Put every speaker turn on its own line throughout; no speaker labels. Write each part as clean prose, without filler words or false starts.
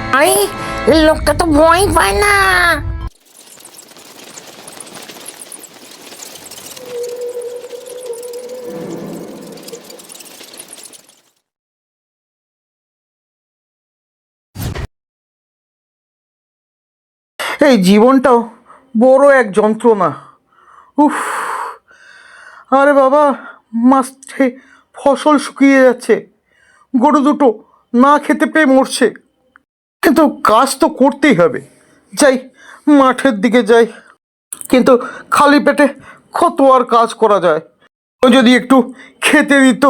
আরে লোকটা তো ভয় পায় না।
এই জীবনটাও বড় এক যন্ত্রণা। উফ, আরে বাবা, মাঠে ফসল শুকিয়ে যাচ্ছে, গরু দুটো না খেতে পেয়ে মরছে, কিন্তু কাজ তো করতেই হবে। যাই, মাঠের দিকে যাই, কিন্তু খালি পেটে কত আর কাজ করা যায়। ও যদি একটু খেতে দিত।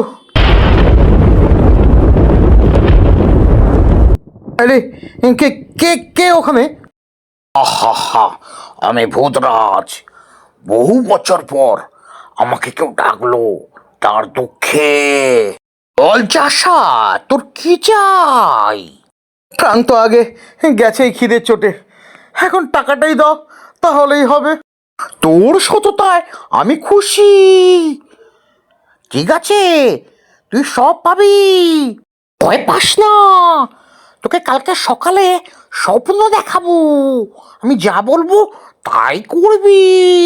আরে, কে কে কে ওখানে?
আহা, আমি ভূতরাজ। বহু বছর পর আমাকে কেউ ডাকলো তার দুঃখে। বল চাষা, তোর কি চাই?
প্রাণ তো আগে গেছেই খিদের চোটে, এখন টাকাটাই দাও, তাহলেই হবে।
তোর সততায় আমি খুশি। ঠিক আছে, তুই সব পাবি, ভয় পাস না। তোকে কালকে সকালে স্বপ্ন দেখাবো, আমি যা বলবো তাই করবি।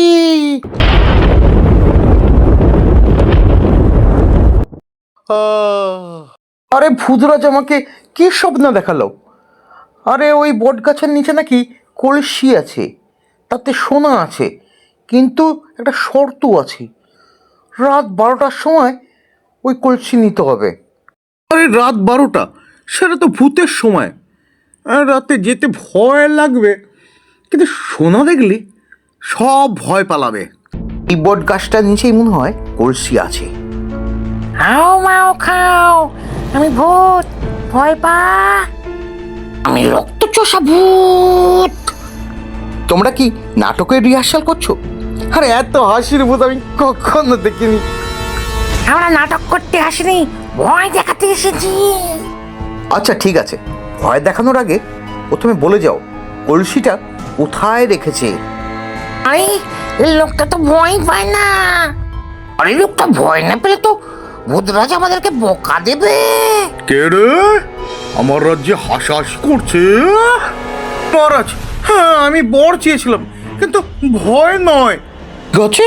আরে ভূতরাজ আমাকে কি স্বপ্ন দেখালো? আরে ওই বট গাছের নিচে নাকি কলসি আছে, তাতে সোনা আছে, কিন্তু একটা শর্ত আছে, রাত 12টার সময় ওই কলসি নিতে হবে। আরে রাত 12টা, সেটা তো ভূতের সময়, রাতে যেতে ভয় লাগবে, কিন্তু সোনা দেখলে সব ভয় পালাবে। এই বট গাছটার নিচেই মনে হয় কলসি আছে।
হাও মাও খাও, আমি ভূত, ভয় পা।
আমি রক্তচোষা ভূত।
তোমরা কি নাটকের রিহার্সাল করছো? আরে এত হাসির ভূত আমি কখনো দেখিনি।
আমরা নাটক করতে আসিনি, ভয় দেখাতে এসেছি।
আচ্ছা ঠিক আছে, ভয় দেখানোর আগে প্রথমে বলে যাও কলসিটা কোথায় রেখেছে।
আরে লোকটা তো ভয় পায় না।
আরে লোকটা ভয় না পেলে তো ভূতরাজ আমাদেরকে বোকা দেবে।
কে রে আমার রাজ্যে হাসাহাসি করছে? মহারাজ, হ্যাঁ আমি বর চেয়েছিলাম, কিন্তু ভয় নয়। গছে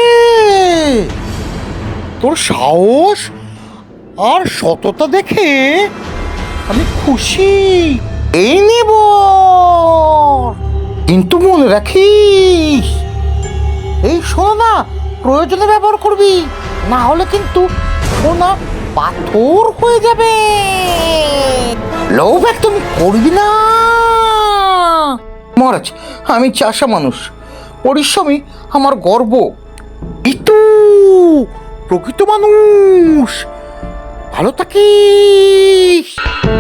তোর সাহস আর সততা দেখে আমি খুশি। এই নেব, কিন্তু মনে রাখিস এই সোনা প্রয়োজনে ব্যবহার করবি, না হলে কিন্তু সোনা পাথর হয়ে যাবে। লোভ একদম করবি না। মহারাজ, আমি চাষা মানুষ, পরিশ্রমী আমার গর্ব। ইতু প্রকৃত মানুষ, ভালো থাকিস।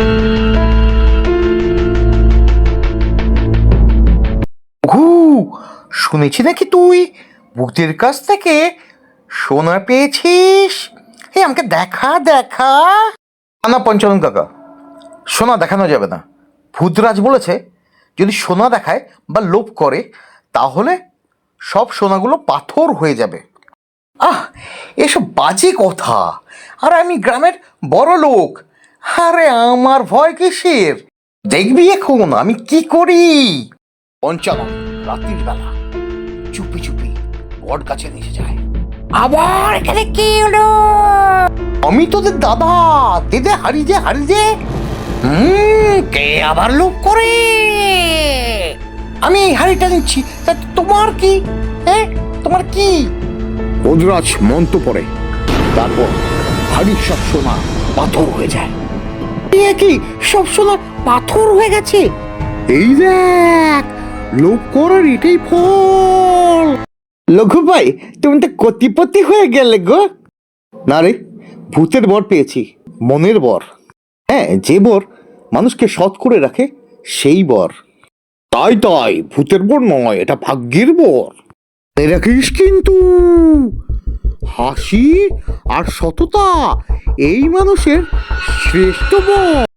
শুনেছি নাকি তুই ভূতের কাছ থেকে সোনা পেয়েছিস? এই আমাকে দেখা দেখা। না পঞ্চানন কাকা, সোনা দেখানো যাবে না। ভূতরাজ বলেছে যদি সোনা দেখায় বা লোভ করে তাহলে সব সোনাগুলো পাথর হয়ে যাবে। আহ, এসব বাজে কথা। আর আমি গ্রামের বড় লোক, আরে আমার ভয় কিসের? দেখবি এখন আমি কি করি।
পঞ্চানন রাত্রির বেলা চুপি চুপি বট গাছে নিচে যায়। আবার এখানে কি হলো?
আমি তোদের দাদা, দেদে হারি যে।
কে আবার লোভ করে?
আমি এই হাড়িটা নিচ্ছি, তা তোমার কি? হ্যাঁ, তোমার কি?
ভূতরাজ মন্ত্র পড়ে, তারপর হাড়ির সব সোনা পাথর হয়ে যায়।
এ কি, সব সোনা পাথর হয়ে গেছে? এই দেখ, লোভ করার এটাই ফল। লঘু ভাই, তুমি তো কোটিপতি হয়ে গেলে গো। না রে, ভূতের বর পেয়েছি, মনের বর। হ্যাঁ, যে বর মানুষকে সৎ করে রাখে সেই বর।
তাই ভূতের বর নয়, এটা ভাগ্যের বর।
মনে রাখিস কিন্তু, হাসি আর সততা এই মানুষের শ্রেষ্ঠ বর।